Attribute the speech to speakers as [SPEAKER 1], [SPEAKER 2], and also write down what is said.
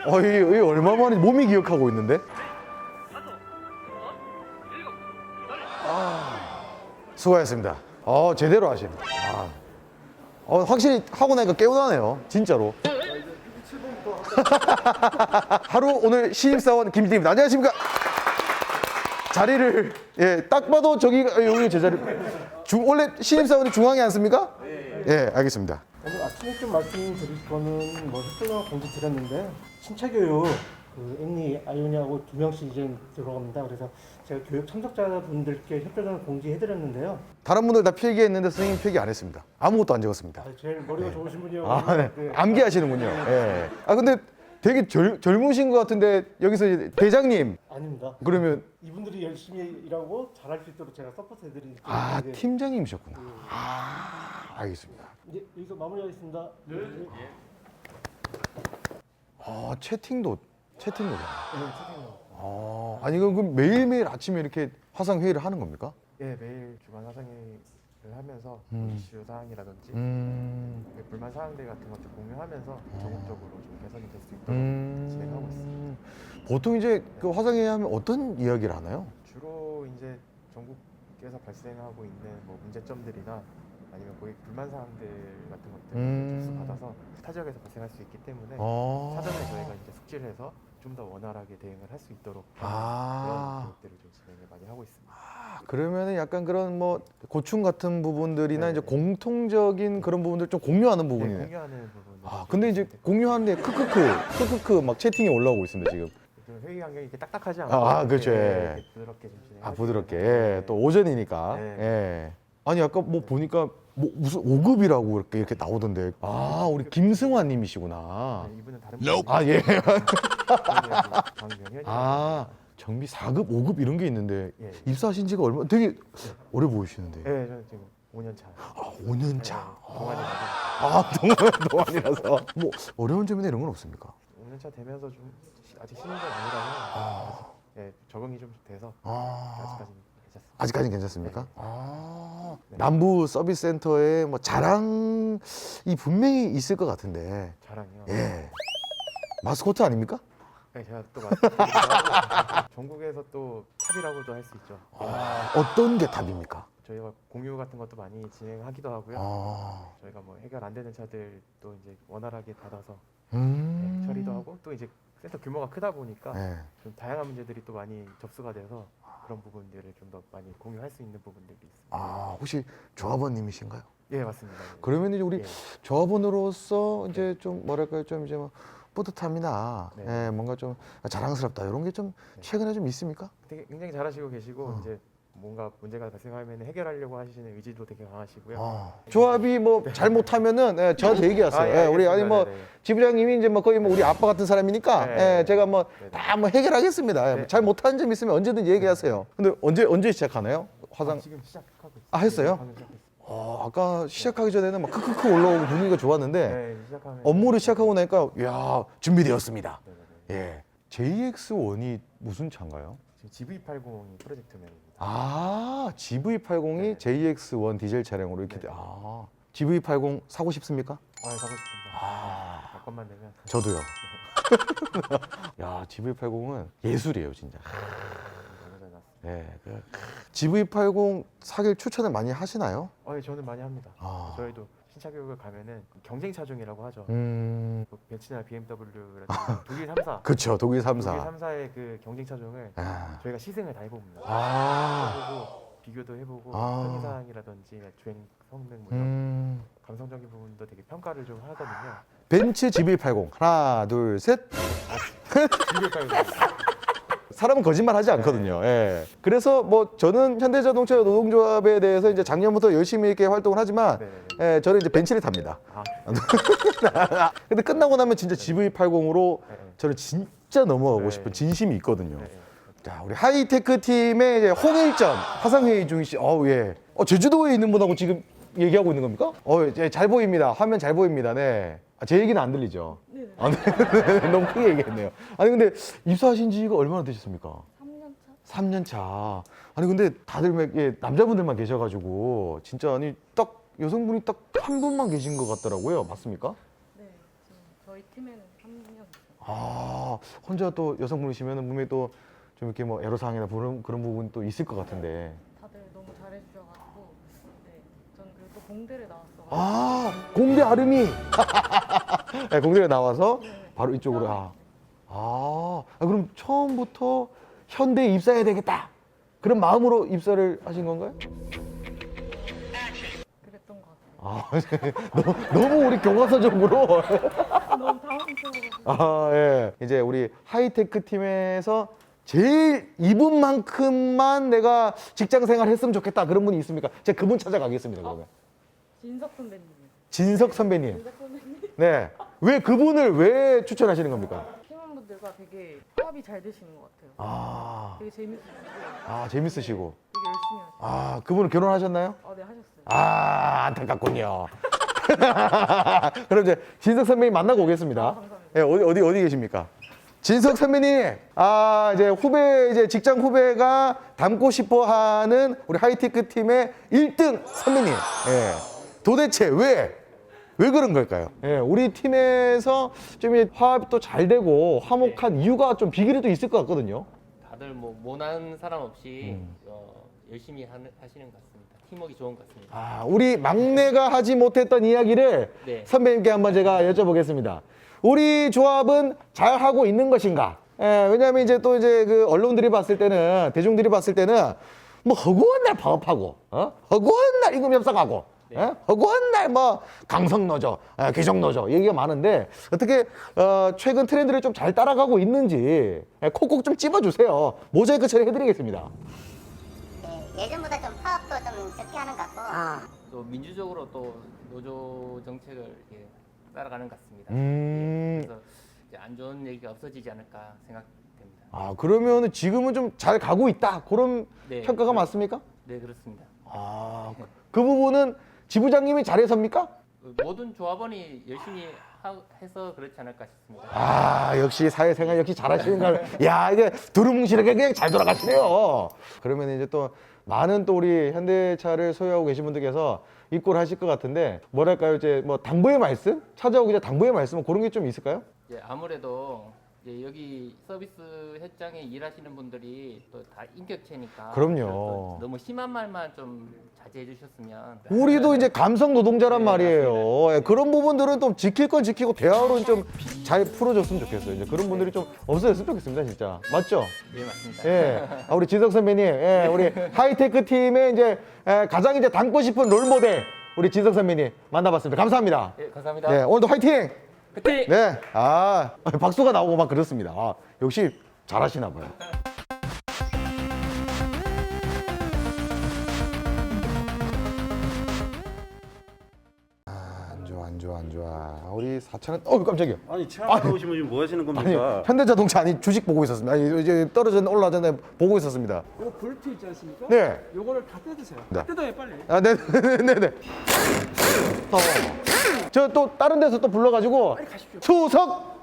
[SPEAKER 1] 이 얼마 만에 몸이 기억하고 있는데? 수고하셨습니다. 제대로 하시네. 확실히 하고 나니까 깨우나네요. 진짜로. 하루 오늘 신입사원 김진입니다. 안녕하십니까? 자리를, 예, 딱 봐도 여기 제 자리. 원래 신입사원이 중앙에 앉습니까? 예, 알겠습니다.
[SPEAKER 2] 오늘 아침에 좀 말씀드릴 거는 뭐 협조나 공지 드렸는데 신차교육 앤니 아이오니하고 2명씩 이제 들어갑니다. 그래서 제가 교육 참석자분들께 협조전을 공지해드렸는데요.
[SPEAKER 1] 다른 분들 다 필기했는데 선생님 필기 안 했습니다. 아무것도 안 적었습니다.
[SPEAKER 2] 제일 머리가 좋으신 분이요.
[SPEAKER 1] 네. 암기하시는군요. 예. 근데 되게 젊으신 것 같은데 여기서 이제 대장님.
[SPEAKER 2] 아닙니다.
[SPEAKER 1] 그러면
[SPEAKER 2] 이분들이 열심히 일하고 잘할 수 있도록 제가 서포트해드리는.
[SPEAKER 1] 팀장님이셨구나. 알겠습니다.
[SPEAKER 2] 이제 여기서 마무리하겠습니다. 네.
[SPEAKER 1] 채팅도.
[SPEAKER 2] 네, 채팅으로.
[SPEAKER 1] 아니 그럼 매일매일 아침에 이렇게 화상 회의를 하는 겁니까?
[SPEAKER 3] 예, 매일 주간 화상회의를 하면서 이슈 사항이라든지 불만 사항들 같은 것들 공유하면서 적극적으로 좀 개선이 될 수 있도록 진행하고 있습니다.
[SPEAKER 1] 보통 이제 그 화상회의 하면 어떤 이야기를 하나요?
[SPEAKER 3] 주로 이제 전국에서 발생하고 있는 뭐 문제점들이나 아니면 고객 불만 사항들 같은 것들을 접수받아서 타 지역에서 발생할 수 있기 때문에 사전에 저희가 이제 숙지를 해서 좀 더 원활하게 대응을 할 수 있도록 그런 교육들을 좀 진행을 많이 하고 있습니다.
[SPEAKER 1] 그러면은 약간 그런 뭐 고충 같은 부분들이나
[SPEAKER 3] 네.
[SPEAKER 1] 이제 공통적인 그런 부분들 좀 공유하는
[SPEAKER 3] 네,
[SPEAKER 1] 부분이네요.
[SPEAKER 3] 공유하는 부분.
[SPEAKER 1] 근데 이제 공유하는데 크크크 막 채팅이 올라오고 있습니다 지금.
[SPEAKER 3] 회의 환경이 이렇게 딱딱하지 않고
[SPEAKER 1] 그렇죠.
[SPEAKER 3] 이렇게 부드럽게 좀 진행하시면
[SPEAKER 1] 부드럽게.
[SPEAKER 3] 네.
[SPEAKER 1] 또 오전이니까.
[SPEAKER 3] 네.
[SPEAKER 1] 예. 아니 아까 뭐 보니까 뭐 무슨 5급이라고 이렇게 나오던데. 우리 김승환 님이시구나.
[SPEAKER 3] 네, 이분은 다른
[SPEAKER 1] 예.
[SPEAKER 3] 강명현.
[SPEAKER 1] 정비 4급, 5급 이런 게 있는데
[SPEAKER 3] 예.
[SPEAKER 1] 입사하신 지가 되게 오래 보이시는데.
[SPEAKER 3] 네, 저는 지금 5년 차.
[SPEAKER 1] 5년 차.
[SPEAKER 3] 동안이라서.
[SPEAKER 1] 동안이라서. 뭐 어려운 점이나 이런 건 없습니까?
[SPEAKER 3] 5년 차 되면서 좀 아직 신인은 아니라서 예, 적응이 좀 돼서 아직까지는 괜찮습니다.
[SPEAKER 1] 아직까지는 괜찮습니까? 남부 서비스 센터에 뭐 자랑이 분명히 있을 것 같은데.
[SPEAKER 3] 자랑이요.
[SPEAKER 1] 예. 마스코트 아닙니까?
[SPEAKER 3] 네, 제가 또 말씀드리면 전국에서 또 탑이라고도 할 수 있죠.
[SPEAKER 1] 어떤 게 답입니까?
[SPEAKER 3] 저희가 공유 같은 것도 많이 진행하기도 하고요. 저희가 뭐 해결 안 되는 차들도 이제 원활하게 받아서 처리도 하고 또 이제 센터 규모가 크다 보니까
[SPEAKER 1] 네.
[SPEAKER 3] 좀 다양한 문제들이 또 많이 접수가 돼서 그런 부분들을 좀 더 많이 공유할 수 있는 부분들이 있습니다.
[SPEAKER 1] 혹시 조합원님이신가요?
[SPEAKER 3] 예, 맞습니다.
[SPEAKER 1] 그러면 이제 우리
[SPEAKER 3] 예.
[SPEAKER 1] 조합원으로서 이제 좀 뭐랄까요, 좀 이제 뭐 뿌듯함이나
[SPEAKER 3] 네.
[SPEAKER 1] 뭔가 좀 자랑스럽다 이런 게 좀 최근에 좀 있습니까?
[SPEAKER 3] 되게 굉장히 잘하시고 계시고 이제 뭔가 문제가 발생하면 해결하려고 하시는 의지도 되게 강하시고요.
[SPEAKER 1] 조합이 뭐 잘못하면은 저한테 얘기하세요. 우리 아니 뭐
[SPEAKER 3] 네네.
[SPEAKER 1] 지부장님이 이제 뭐 거의 뭐 우리 아빠 같은 사람이니까
[SPEAKER 3] 네.
[SPEAKER 1] 제가 뭐
[SPEAKER 3] 네네.
[SPEAKER 1] 다 뭐 해결하겠습니다.
[SPEAKER 3] 네.
[SPEAKER 1] 잘 못하는 점 있으면 언제든 얘기하세요. 근데 언제 시작하나요? 화상
[SPEAKER 3] 지금 시작하고 있어요.
[SPEAKER 1] 했어요?
[SPEAKER 3] 방금 시작했어요.
[SPEAKER 1] 아까 시작하기 전에는 막 크크크 올라오고 분위기가 좋았는데
[SPEAKER 3] 네, 시작하면
[SPEAKER 1] 업무를 시작하고 나니까 야 준비되었습니다.
[SPEAKER 3] 네네네.
[SPEAKER 1] 예, JX1이 무슨 차인가요?
[SPEAKER 3] 지금 GV80이 프로젝트명입니다.
[SPEAKER 1] GV80이
[SPEAKER 3] 네.
[SPEAKER 1] JX1 디젤 차량으로 이렇게
[SPEAKER 3] 네.
[SPEAKER 1] GV80 사고 싶습니까?
[SPEAKER 3] 사고 싶습니다. 여건만 되면.
[SPEAKER 1] 저도요. 야, GV80은 예술이에요, 진짜.
[SPEAKER 3] 너무 잘 나왔습니다.
[SPEAKER 1] 네, GV80 사길 추천을 많이 하시나요?
[SPEAKER 3] 예, 저는 많이 합니다. 저희도 신차 교육을 가면은 경쟁 차종이라고 하죠.
[SPEAKER 1] 뭐
[SPEAKER 3] 벤츠나 BMW라든지 독일 3사.
[SPEAKER 1] 그렇죠, 독일 3사.
[SPEAKER 3] 독일 3사의 그 경쟁 차종을 저희가 시승을 다 해봅니다. 해보고 비교도 해보고 편의사항이라든지 주행 성능 뭐 이런 감성적인 부분도 되게 평가를 좀 하거든요.
[SPEAKER 1] 벤츠 GV80 하나, 둘, 셋. 사람은 거짓말 하지 않거든요. 예. 그래서 뭐 저는 현대자동차 노동조합에 대해서 이제 작년부터 열심히 이렇게 활동을 하지만
[SPEAKER 3] 네네네.
[SPEAKER 1] 저는 이제 벤츠를 탑니다. 근데 끝나고 나면 진짜 GV80으로 저는 진짜 넘어가고 싶은 진심이 있거든요. 자, 우리 하이테크 팀의 이제 홍일점 화상회의 중이시. 예. 제주도에 있는 분하고 지금 얘기하고 있는 겁니까? 잘 보입니다. 화면 잘 보입니다. 네. 제 얘기는 안 들리죠? 네. 네. 너무 크게 얘기했네요. 아니 근데 입사하신 지가 얼마나 되셨습니까?
[SPEAKER 4] 3년 차?
[SPEAKER 1] 3년 차. 아니 근데 다들 남자분들만 계셔가지고 진짜 아니 딱 여성분이 딱 한 분만 계신 것 같더라고요. 맞습니까?
[SPEAKER 4] 네, 지금 저희 팀에는 3년.
[SPEAKER 1] 아, 혼자 또 여성분이시면 분명히 또 좀 이렇게 뭐 애로사항이나 그런 부분 또 있을 것 같은데.
[SPEAKER 4] 다들 너무 잘해주셔가지고 네, 저는 그리고 또 공대를 나왔어가지고
[SPEAKER 1] 아, 공대 아름이. 네, 공대에 나와서
[SPEAKER 4] 네.
[SPEAKER 1] 바로 이쪽으로. 그럼 처음부터 현대에 입사해야 되겠다. 그런 마음으로 입사를 하신 건가요?
[SPEAKER 4] 그랬던 것 같아요.
[SPEAKER 1] 너무 우리 교과서적으로.
[SPEAKER 4] 너무 당황스러워가지고
[SPEAKER 1] 아, 예. 이제 우리 하이테크 팀에서 제일 이분만큼만 내가 직장 생활 했으면 좋겠다. 그런 분이 있습니까? 제가 그분 찾아가겠습니다, 그러면.
[SPEAKER 4] 진석 선배님이요.
[SPEAKER 1] 진석 선배님.
[SPEAKER 4] 진석 선배님
[SPEAKER 1] 네. 왜 그분을 왜 추천하시는 겁니까?
[SPEAKER 4] 팀원분들과 되게 합이 잘 되시는 것 같아요.
[SPEAKER 1] 아,
[SPEAKER 4] 되게 재밌으시고
[SPEAKER 1] 재밌으시고.
[SPEAKER 4] 되게 열심히 하시고
[SPEAKER 1] 그분은 결혼하셨나요?
[SPEAKER 4] 네 하셨어요.
[SPEAKER 1] 안타깝군요. 그럼 이제 진석 선배님 만나고 오겠습니다.
[SPEAKER 4] 감사합니다.
[SPEAKER 1] 네, 어디 계십니까? 진석 선배님, 이제 이제 직장 후배가 닮고 싶어 하는 우리 하이테크 팀의 1등 선배님. 예. 도대체 왜 그런 걸까요? 예, 우리 팀에서 좀 이제 화합도 잘 되고 화목한 이유가 좀 비결이 또 있을 것 같거든요.
[SPEAKER 5] 다들 뭐 모난 사람 없이 열심히 하시는 것 같습니다. 팀워크 좋은 것 같습니다.
[SPEAKER 1] 우리 막내가 하지 못했던 이야기를
[SPEAKER 5] 네.
[SPEAKER 1] 선배님께 한번 제가 여쭤보겠습니다. 우리 조합은 잘 하고 있는 것인가? 예, 왜냐하면 이제 또 이제 그 언론들이 봤을 때는 대중들이 봤을 때는 뭐 허구한 날 파업하고, 허구한 날 임금 협상하고, 허구한 날 뭐 강성노조, 귀족노조 얘기가 많은데 어떻게 최근 트렌드를 좀 잘 따라가고 있는지 콕콕 좀 찝어주세요. 모자이크 처리해드리겠습니다.
[SPEAKER 6] 네, 예전보다 좀 파업도 좀 적게 하는 것 같고
[SPEAKER 5] 또 민주적으로 또 노조 정책을 이렇게 따라가는 것 같습니다. 그래서 이제 안 좋은 얘기가 없어지지 않을까 생각됩니다.
[SPEAKER 1] 그러면 지금은 좀 잘 가고 있다. 그런
[SPEAKER 5] 네,
[SPEAKER 1] 평가가 맞습니까?
[SPEAKER 5] 네, 그렇습니다.
[SPEAKER 1] 그 부분은 지부장님이 잘해서입니까?
[SPEAKER 5] 모든 조합원이 열심히 해서 그렇지 않을까 싶습니다.
[SPEAKER 1] 역시 사회생활 역시 잘하시는 걸. 야, 이게 두루뭉실하게 그냥 잘 돌아가시네요. 그러면 이제 또 많은 또 우리 현대차를 소유하고 계신 분들께서 입고를 하실 것 같은데 뭐랄까요, 이제 뭐 당부의 말씀? 찾아오기 전에 당부의 말씀 그런 게 좀 있을까요?
[SPEAKER 5] 이제 아무래도 이제 여기 서비스 현장에 일하시는 분들이 또 다 인격체니까
[SPEAKER 1] 그럼요.
[SPEAKER 5] 또 너무 심한 말만 좀 자제해 주셨으면.
[SPEAKER 1] 우리도 이제 감성 노동자란
[SPEAKER 5] 네,
[SPEAKER 1] 말이에요. 예, 그런 부분들은 좀 지킬 건 지키고 대화로는 좀 잘 풀어줬으면 좋겠어요. 이제 그런 분들이 좀 없어졌으면 좋겠습니다, 진짜. 맞죠?
[SPEAKER 5] 네, 맞습니다.
[SPEAKER 1] 예. 우리 진석 선배님, 우리 하이테크 팀의 이제 가장 이제 닮고 싶은 롤 모델 우리 진석 선배님 만나봤습니다. 감사합니다.
[SPEAKER 5] 네, 감사합니다.
[SPEAKER 1] 네, 오늘도 화이팅!
[SPEAKER 5] 화이팅!
[SPEAKER 1] 네, 박수가 나오고 막 그렇습니다. 역시 잘하시나 봐요. 안 좋아. 우리 사차는, 깜짝이야.
[SPEAKER 7] 아니 체험하러 오시면 지금 뭐 하시는 겁니까?
[SPEAKER 1] 현대자동차 주식 보고 있었습니다. 이제 떨어졌나 올라졌나 보고 있었습니다.
[SPEAKER 8] 이거 볼트 있지 않습니까?
[SPEAKER 1] 네.
[SPEAKER 8] 요거를 다 뜯으세요.
[SPEAKER 1] 네.
[SPEAKER 8] 다 뜯어요 빨리.
[SPEAKER 1] 네네네네. 저 또 다른 데서 또 불러가지고 추석